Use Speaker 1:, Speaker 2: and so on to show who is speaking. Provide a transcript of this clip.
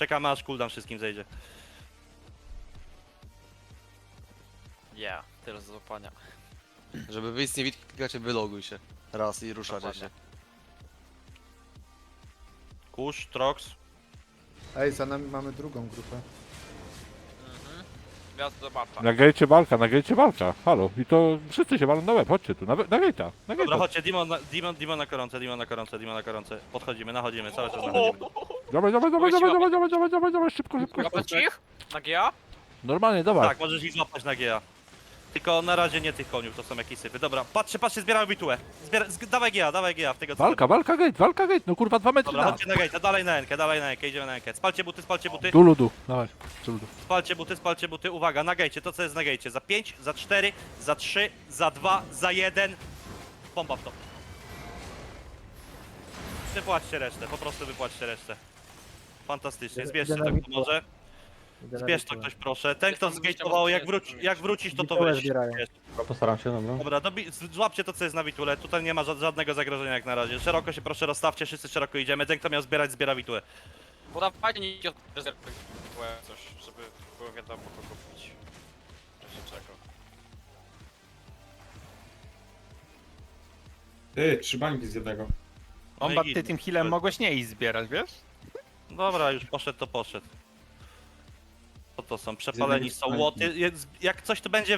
Speaker 1: Czekamy aż cooldown wszystkim zejdzie.
Speaker 2: Tyle do złapania.
Speaker 3: Żeby wyjść z niewidki, wyloguj się. Raz i ruszacie
Speaker 2: Dokładnie.
Speaker 3: się.
Speaker 1: Kusz, Trox.
Speaker 4: Ej, za nami mamy drugą grupę.
Speaker 2: Gwiazd zobaczę.
Speaker 5: Na gejcie walka. Halo. I to wszyscy się walą na łeb, chodźcie tu, na gejta. Na
Speaker 1: Dobra,
Speaker 5: gejta.
Speaker 1: chodźcie, Demon na koronce, Demon na koronce. Podchodzimy, nachodzimy, cały czas nachodzimy.
Speaker 5: Dawaj, szybko.
Speaker 2: Łapać ich? Na GA?
Speaker 5: Normalnie, dawaj.
Speaker 1: Tak, możesz ich złapać na GA. Tylko na razie nie tych koniów, to są jakieś sypy. Dobra, patrzcie, zbieramy bitułę. Dawaj GA w tego co.
Speaker 5: Walka gate, no kurwa 2 metry
Speaker 1: Dobra,
Speaker 5: na.
Speaker 1: chodźcie na gate, dalej na enkę, idziemy na enkę. Spalcie buty.
Speaker 5: Tu ludu, dawaj. Tu ludu.
Speaker 1: Spalcie buty, uwaga, na gejcie, to co jest na gejcie. Za 5, za 4, za 3, za 2, za 1. Pompa w to. Wypłaćcie resztę, po prostu wypłaćcie resztę. Fantastycznie, zbierzcie to kto może. Zbierz to ktoś proszę. Ten kto zgejtował, jak wrócisz to
Speaker 4: Witułę
Speaker 1: weź.
Speaker 4: zbierają.
Speaker 1: Bierz.
Speaker 6: Postaram się, dobra.
Speaker 1: Dobra, złapcie to co jest na witule, tutaj nie ma żadnego zagrożenia jak na razie. Szeroko się proszę rozstawcie, wszyscy szeroko idziemy. Ten kto miał zbierać, zbiera witule.
Speaker 2: Podawajcie nikt od rezerwy coś, żeby było wiadomo kogo pić. W razie czego.
Speaker 7: Ty, 3 bańki z jednego.
Speaker 8: Bomba,
Speaker 1: No i
Speaker 8: ty
Speaker 1: git.
Speaker 8: tym healem mogłeś nie iść zbierać, wiesz?
Speaker 1: Dobra, już poszedł to poszedł. Co to są? Przepaleni są łoty. Jak coś to będzie